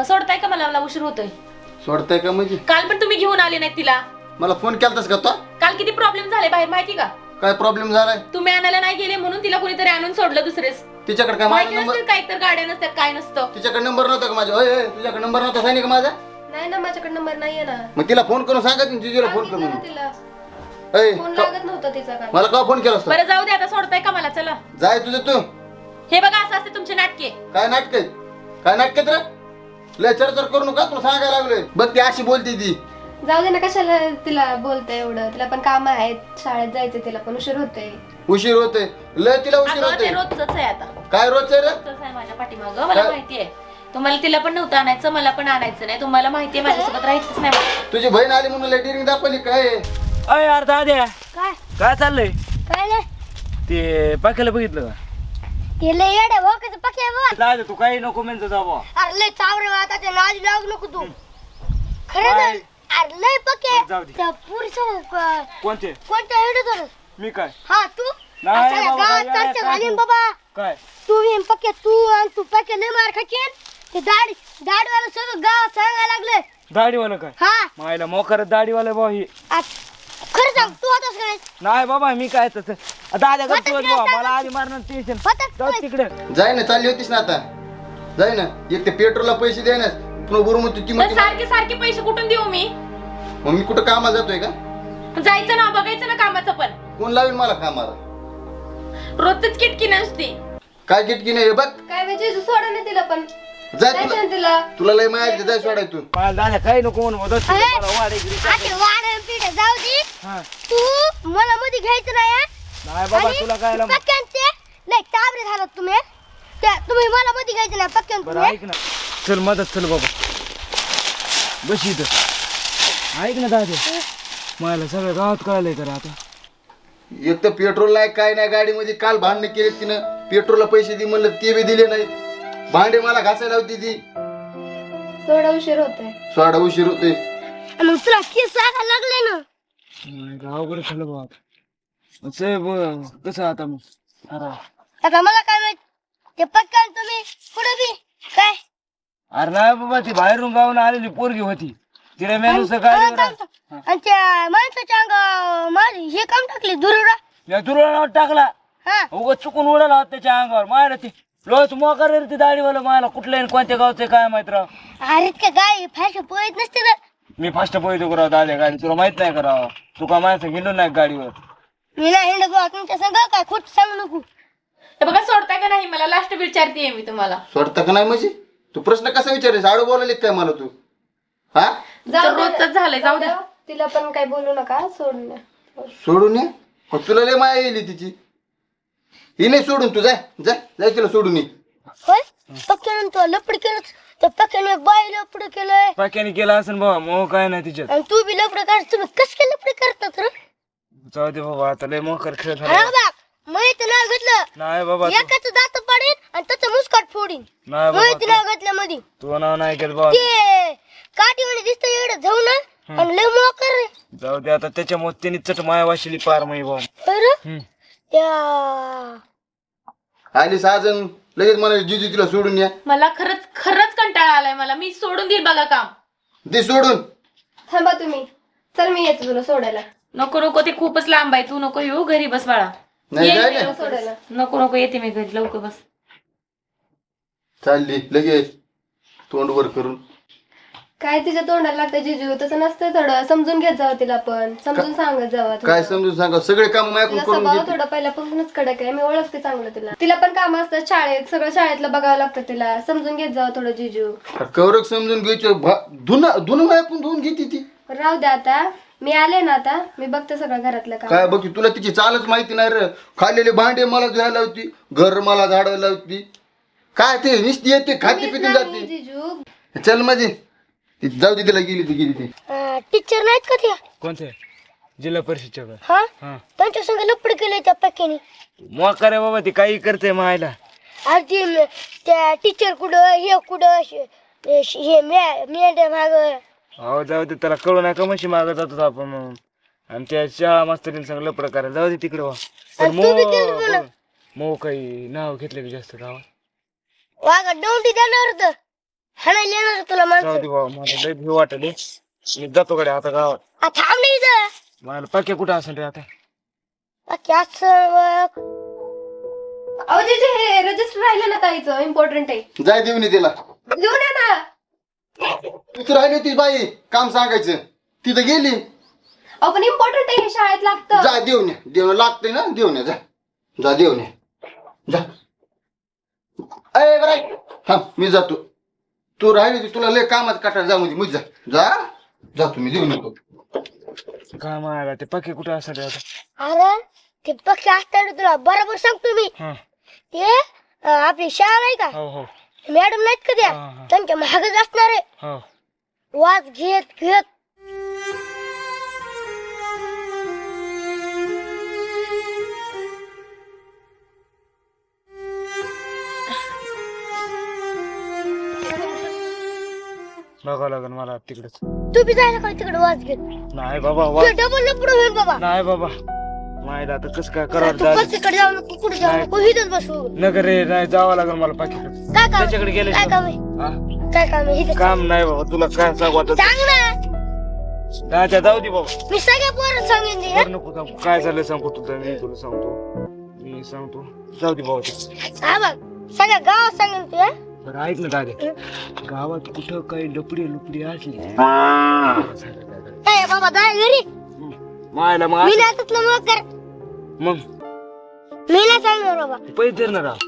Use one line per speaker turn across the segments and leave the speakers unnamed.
सोडताय का मला? मला उशीर होतोय.
सोडताय का म्हणजे?
काल पण तुम्ही घेऊन आले नाही तिला.
मला फोन केलतास का तो?
काल किती प्रॉब्लेम झाले बाहेर माहिती का?
काय प्रॉब्लेम झालाय?
तुम्ही आणायला नाही गेले म्हणून तिला कोणीतरी आणून सोडलं दुसरेच.
तिच्याकडे काय माझा नंबर?
काही तर गाड्या नसतात, काय नसतं.
तिच्याकडे नंबर नव्हता का माझा? होय तुझ्याकडे नंबर नव्हता सांगितलं का माझा?
नाही ना, माझ्याकडे नंबर नाहीये ना.
मग तिला फोन करून सांगायचं ना जिजूला फोन करून.
तिला
ए,
फोन लागत नव्हता तिचा काल.
मला का फोन केला असता?
बरं जाऊ दे, आता सोडताय का मला? चला.
जाय तुझं तू.
हे बघा, असं असते तुमचे नाटके.
काय नाटक आहे? काय नाटक रे? लय चरचर करू नका, तुला सांगायला लागलोय. बघ ती अशी बोलते ती.
जाऊ दे ना, कशाला तिला बोलताय एवढं? तिला पण काम आहेत, शाळेत जायचं, तिला पण उशीर होतोय.
उशीर होते, लय तिला उशीर
अगं,
होते.
ते रोजच आहे आता.
काय रोजचं रे?
रोजच आहे माझ्या पाठीमागं, मला माहितीये. तुम्हाला तिला पण नव्हतं आणायचं, मला पण आणायचं नाही. तुम्हाला माहितीये माझ्यासोबत राहायचंच नाही मला.
तुझी बहीण आली म्हणून लेटरिंग दाखवली काय?
अय यार दाद्या,
काय
काय चाललंय?
काय नाही
ते पाक्याला बघितलं का?
ते लय येडे भोकाचं पक्या बघ.
दादा तू काही नको म्हणतो बाबा.
अरे लय चावरे वाटाच्या नादी लागू नको तू. खरं ना?
काय?
अरे लय पक्या
जाऊ दे.
त्या पुरीचं
कोणते?
कोणत्या येडे तर
मी काय?
हा तू
नाही
अरे
बाबा,
गावात
येडे
चर्चा
काय
झाली
तू?
ना बाबा.
काय?
तू येईन पक्या, तू आणि तू पक्या लय मार खाशील. ते दाढीवाला सगळं गावात सांगायला लागले.
दाढीवाला काय?
हा
मायला मोकर दाढीवाला भाऊ ही.
खरं सांग, तू होतास काय?
नाही बाबा मी काय तसं दादा
होतच
करतो
नाही,
बाबा, मला आधी मारणार टेन्शन.
होतच
जाऊ
नाही.
तिकडे.
जाय ना, चालली होतीस ना आता. जाय ना, एक ते पेट्रोलला पैसे द्या ना. पुन्हा बरोबर तू ती
पण सारखे सारखे पैसे कुठून देऊ मी?
मग मी कुठं कामाला जातोय का?
जायचं ना, बघायचं ना कामाचं पण.
कोण लावेल मला कामाला?
रोजच किटकी नसते.
काय किटकी नाही हे बघ.
काय म्हणजे सोडा ना तिला पण.
जाय
जायचं
तुला,
ना तिला.
तुला लय माहिती, जाय सोडाय तू.
मला दादा काही नको म्हणून मदत कर,
अरे,
मला वाढेल.
आता वाढ पिढ जाऊ दे.
हा.
तू मला मध्ये घ्यायचं नाही हा?
नाही बाबा
आणि
तुला काय
पक्क्यांचे लय चाबरे झालात तुम्ही. तुम्ही मला मध्ये घ्यायचं नाही पक्क्यान
बरं
तुम्ही.
ऐक ना, चल मदत चल बाबा, बस इथं. ऐक ना दादा, मला सगळं गावात कळलंय तर आता.
एक तर पेट्रोल नाही, काय नाही गाडीमध्ये. काल भांडणे केले तिनं, पेट्रोलला पैसे दे म्हणलं ते बी दिले नाही. भांडे मला घासायला होती ती.
थोडा उशीर होतोय.
सोडा उशीर होते.
मग तुला केस सांगायला लागले ना.
गावाकडे झालं बाबा. कसं आता मग?
आता मला काय माहित, ते पक्क्यान तुम्ही कुठे बी काय
अरे नाही बाबा, ती बाहेरून गावून आलेली पोरगी होती. तिला मेनूस गाडीवर
आणि त्या माणसाच्या अंगावर माझी हे काम टाकले दुरुडा.
या तुला टाकला,
हा
उगाच चुकून उडाला होता त्याच्या अंगावर. मायला ती लोच मोकार रे ती दाढीवाला. मायला कुठल्या आणि कोणत्या गावचं काय माहित राव.
अरे का गाय फॅशन पोहत नसते ना.
मी फास्ट पोहतो करावं दाद्या गाडी, तुला माहित नाही करावं. तू का माणसं गेलो नाही गाडीवर.
मी नाही हिंड गोवा तुमच्या संग काय खोट सांगू नको.
हे बघा, सोडताय का नाही मला? लास्ट विचारतेय मी तुम्हाला.
सोडता का नाही म्हणजे? तू प्रश्न कसा विचारलीस? आडू बोलायला काय मला तू? हा,
रोजच झालंय, जाऊ द्या. तिला पण काय बोलू नका, सोडून.
सोडून ये. मग तुला लय माया येईल तिची. ही नाही सोडून, तू जाय जाय जाय, तिला सोडून ये.
होय पक्क्यानं तो लपड केलं. त्या पक्क्याने बाई लपड केलंय
पाक्याने केला असेल बाबा, मग काय नाही तिच्यात.
आणि तू बी लपड कर. तुम्ही कस काय लपड करतात रे?
जाऊ दे बाबा, आता लय मोकर खेळ
हा
झाला.
बा माहित नाव घेतलं
नाही बाबा
एकाच दात पाडीन आणि त्याचं मुस्काट फोडीन.
नाही
माहित
बाबा,
नाव घेतलं मध्ये
तू नाव नाही घेत बाबा.
ते काठीवाणी दिसतं एवढं जाऊ ना. आणि लय मोकर रे.
जाऊ दे आता, त्याच्यामुळे त्यांनी चट माया वाशिली पार मग बाबा.
बरं त्या
आली साजन लगेच मला जिजू तिला सोडून या.
मला खरंच खरंच कंटाळा आलाय मला. मी सोडून देईल बघा काम.
दे सोडून.
थांबा तुम्ही. चल मी येते तुला सोडायला. नको नको, ते खूपच लांब आहे. तू नको येऊ, घरी बस बाळा.
नाही
येईल
जाय
मी
ना.
तुला सोडायला. नको नको, येते मी घरी, लवकर बस.
चालली लगेच तोंड वर करून.
काय तिच्या तोंडाला लागतं जिजू? तसं नसतं. थोडं समजून घेत जावं तिला, पण समजून सांगत जावं.
काय समजून सांगा, सगळे काम मायकून
तिला
करून
स्वभाव
घेते.
थोडा पहिल्यापासूनच कडक आहे. मी ओळखते चांगलं तिला. तिला पण काम असतात शाळेत, सगळं शाळेतलं बघावं लागतं तिला. समजून घेत जावं थोडं जिजू.
कवरक समजून घ्यायचं. धुन मायकून धुवून घेते ती.
राहू द्या आता. मी आले ना आता, मी बघते सगळं घरातलं काम.
काय बघ, तुला तिची चालच माहिती नाही रे. खाल्लेले भांडे मला धुवायला होती, घर मला झाडायला होती. काय ते निस्ती येते, खाती
मीच
पिती
नाही
जाते.
जिजू.
चल माझी ती जाऊ दे, तिला गेली ती गेली ती.
टीचर नाहीत का त्या?
कोणते? जिल्हा परिषदच्या का?
हा
हा.
त्यांच्या संग लपड केलंय त्या पक्क्याने.
मोकार आहे बाबा, ती काही करते मायला.
आधी त्या टीचर कुठं हे कुठं हे मॅडम माग.
हो जाऊ दे, त्याला कळू नका म्हशी मागत जातो आपण म्हणून. आणि त्या शाळा मास्तरीने सांग लपड करायला. जाऊ दे तिकडे वा. पण मो काही नाव घेतलं की जास्त गावात.
वागा डोंडी देणार होतं. हाणायला येणार तुला
जाऊ
माणसं.
दे बाबा मला लय भीव वाटले मी जातो कडे आता गावात
आ, थांब नाही इथं.
मला पक्के कुठं असेल रे आता
बाकी असं
अहो जे हे रजिस्टर राहिलं ना ताईचं इम्पॉर्टंट आहे.
जाय देऊन ये तिला.
घेऊन या ना.
तिथं राहिली होती बाई काम सांगायचं तिथं गेली.
अहो पण इम्पॉर्टंट आहे, हे शाळेत लागतं.
जा देऊन ये. देऊन लागतंय ना देऊन ये. जा जा देऊन ये. जा अय बरं हा मी जातो. तू राहिली होती तुला लय कामात काटाळ जा मध्ये जा जा जातो मी देऊन येतो.
काय मागा ते पक्के कुठं असेल रे आता
अरे ते पक्षी असताना तुला बरोबर सांगतो मी.
हा
ते आपली शाळा नाही का,
हो हो
मॅडम नाहीत का त्या,
हा, हा.
त्यांच्या महागच असणार आहे.
हो
वाज घेत घेत
बघावं लागेल मला तिकडेच
तू बी जायला काय तिकडे वाज घेत.
नाही बाबा
ते डबल न पुढे होईल बाबा.
नाही बाबा माहिला आता कसं काय
तू
करावं
बसकडे जाऊ नको, कुठे जाऊ नको, इथंच बसू.
नगर रे नाही जावं लागेल मला पाकिट
काय काम
त्याच्याकडे
आहे?
गेले
काय काम आहे? काय काम आहे? इथं
काम नाही बाबा तुला काय सांगू आता
सांग ना.
दादा जाऊ दे बाबा
मी सगळ्या पोरं सांगेन ते, हं?
बरं नको सांगू काय झालं सांगू तुला मी सांगतो जाऊ दे बाबा ते.
हा बघ सगळ्या गावात सांगेन तू, हं?
बरं ऐक ना दादा गावात कुठं काही लपडी असली
ए बाबा जाय घरी.
मायला मग
मी
असं-
नाही तुला मग कर.
मग
मी नाही सांगणार बाबा.
पैसे धर ना राव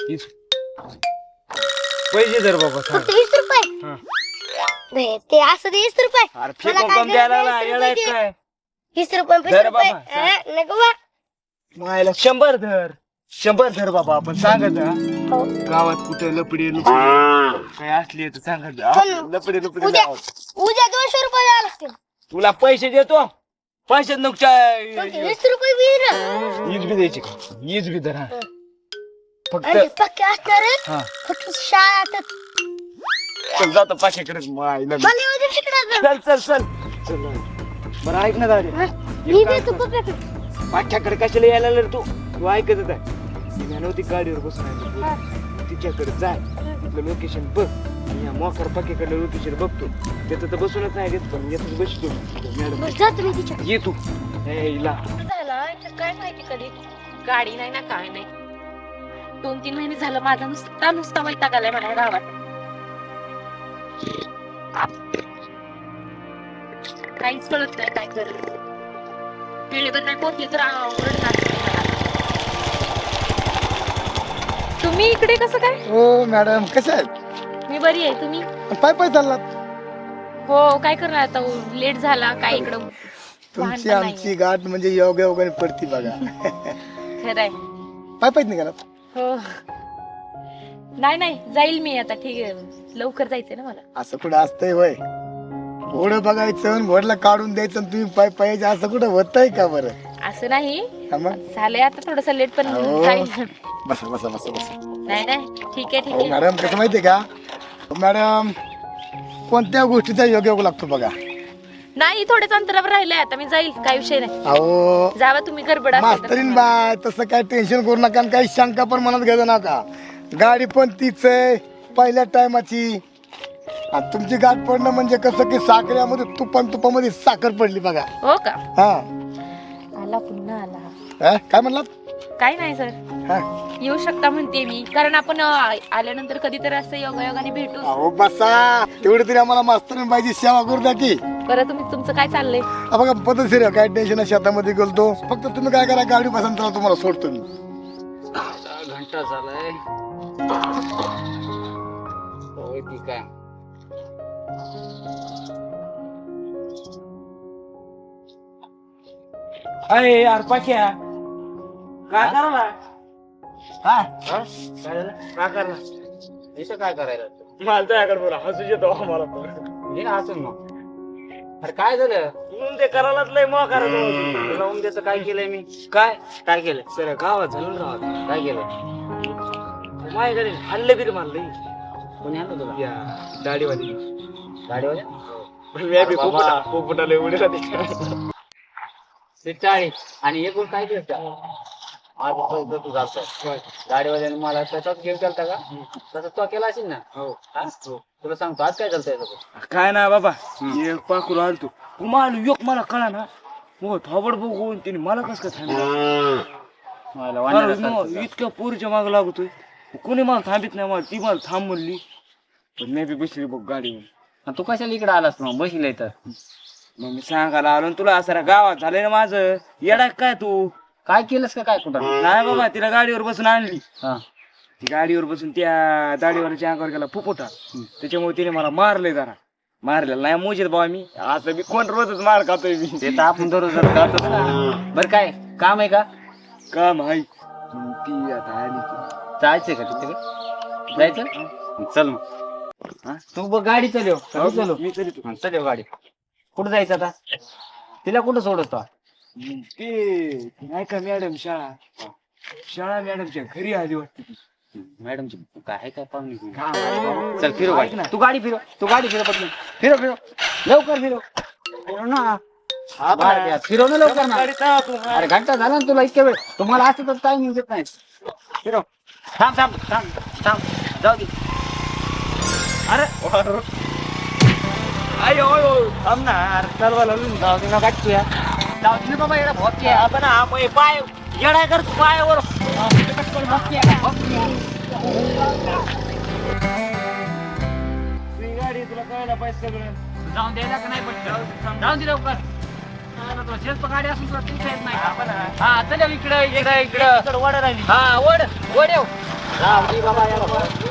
पैसे धर बाबा सांग.
फक्त 20 रुपये.
हा.
नाही, ते असं दे 20 रुपये.
अरे
मला
फेकून
काय
कम द्यायला
गरज
लागला,
नाही,
येडा
20
आहे काय
20 रुपये 20
धर
रुपये.
बाबा,
हं, नको बा.
मायला 100 धर 100 धर बाबा आपण सांगत हा.
हो.
गावात कुठे लपडी काय असली तर सांगत
पण
लपडी
उद्या उद्या 200 रुपये द्यावं लागतील.
तुला पैसे देतो पैसे नको
पण ते 20 रुपये बी ना.
ईज बी द्यायची का ईज बी धर हा फक्त
आणि पक्के असणार आहे.
हा
फक्त शाळेतच.
चल जातो पाचशेकडे मायला
मला येऊ दे तिकडं.
चल चल चल चल बरं ऐक ना दादा
हं? मी देतो पप्पाकडे.
पाठ्याकडे कशाला यायला रे तू ऐकतच आहे मी नव्हती गाडीवर बसून आहे तिच्याकडे जाय तिथलं लोकेशन बघ मी या मोकर पक्कीकडलं लोकेशन बघतो त्याचं तर बसूनच नाही देत पण येतच बसतो मॅडम
बस जातो मी तिच्या.
ये तू ला
काय माहिती कधी गाडी नाही ना काय नाही 2-3 महिने झालं माझा नुसता वैताग आलाय मला गावात काहीच कळत नाही काय कर वेळेवर नाही पोहोचले तर ओरडणार तुम्ही इकडे कसं काय
हो मॅडम कशा आहेत?
मी बरी आहे तुम्ही
पाय पाय चाललात?
हो काय करणार आता लेट झाला काय इकडं वाहन
तुमची
पण
आमची गाठ म्हणजे योग्य वगैरे पडती बघा.
खरंय
पाय पायच निघालात?
हो नाही जाईल मी आता ठीक आहे लवकर जायचंय ना मला
असं कुठं असतंय वय घोडं बघायचं आणि घोडला काढून द्यायचं आणि तुम्ही पाय पायाचं असं कुठं होतंय का बरं?
असं नाही
हा मग
झालंय आता थोडस लेट पण
हो.
जाईल
बसा बसा बसा बसा.
नाही ठीक आहे
हो मॅडम कसं माहितीये का मॅडम कोणत्या गोष्टीचा योग लागतो बघा.
नाही थोड्याच अंतरावर राहिलंय आता मी जाईल काही विषय नाही
अहो
जावा तुम्ही गडबड असेल तर.
मास्तरीन बाय तसं काय टेन्शन करू नका आणि काही शंका पण मनात घ्यायचं नका. गाडी पण तीच आहे पहिल्या टायमाची आणि तुमची गाठ पडणं म्हणजे कसं की साखरेमध्ये तुपामध्ये साखर पडली बघा.
हो का
हा
आला पुन्हा आला
काय म्हणलात?
काय नाही सर
हा
येऊ शकता म्हणते मी कारण आपण आल्यानंतर कधीतरी असं योगायोगाने भेटू
अहो बसा तेवढी तरी आम्हाला मास्तरीन बाईची सेवा करू द्या की.
बरं तुम्ही तुमचं काय चाललंय
बघा पद्धतशीर आहे, काय टेन्शन शेतामध्ये गेलतो फक्त तुम्ही काय करा गाडी बसून चला तुम्हाला सोडतो मी.
घंटा झालाय होय ती काय अरे यार पाक्या काय करायला
काय
काय करणार इथं काय करायला मला त्याकडे बरं हसू येतो आम्हाला पण हसून मग अरे काय झालं ते करायलाच लय मग करत तुला उमद्याचं काय केलंय मी काय केलं सर गावात झालं गावात काय केलं माझ्याकडे हल्ले बिल मारले कोणी आणलं तुला गाडीवाले पोपटाला एवढे ते 40 आणि एकूण काय केलं आज तू जातो गाडीवाल्याने मला त्याचाच घेऊन चालता का तसं तो केला असेल ना हो तुला सांगतो आज काय चालतंय
काय ना बाबा एक पाखरू आलतो कुमाल योग मला कळा ना मग थोबड बघून तिने मला कस काय थांबलं इतक्या पोरीच्या माग लागतोय कोणी मला थांबित नाही मला ती मला थांब म्हणली पण मी बी बसली बघ गाडीवर
तू कशाला इकडे आलास मग बसले तर
मग मी सांगायला आलो तुला सारा गावात झालंय ना माझं येडा काय तू
काय केलंस का काय कुठं
नाही बाबा तिला गाडीवर बसून आणली
हा
ती गाडीवर बसून त्या दाढीवरच्या अंगावर गेला फुफुटा त्याच्यामुळे तिने मला मारले जरा मारलेला नाही मोजेत बाबा मी असं मी कोण रोजच मार खातोय मी
ते तर आपण दररोज खातोच ना बरं काय काम आहे का
काम आहे ती आता आली की.
जायचंय का तिथे जायचं चल मग हा? तू बघ गाडी चालव चलो
मी तरी तू
चालव गाडी कुठं जायचं आता तिला कुठं सोडतो
ते नाही का मॅडम शाळा मॅडमच्या घरी आली वाटते ती.
मॅडमची काय काय पाहुणे
हा.
चल फिरव
ऐक ना.
गाडी तू गाडी फिरव पटकन फिरव लवकर फिरव ना फिरव ना लवकर ना
गाडी चालव तू.
अरे घंटा झाला ना तुला इतक्या वेळ तुम्हाला असं तर टाइम देत नाही फिरव थांब थांब थांब थांब जाऊ दे
अरे आयो थांब ना अरे चालवायला लागलो ना.
जाऊ दे ना गाडी तुया जाऊ दे ना बाबा एवढा भोपी आहे आपण हा पाय येडा कर तू पायावर
तुझी गाडी तुला कळायला पाहिजे सगळं
जाऊन द्यायला का नाही पण जाऊन दे लवकर शेल्प गाडी असून तुला तुमच्या येत नाही हा चल इकडं इकडं इकडं
वडा राहिली
हा वड येऊ जाऊ दे बाबा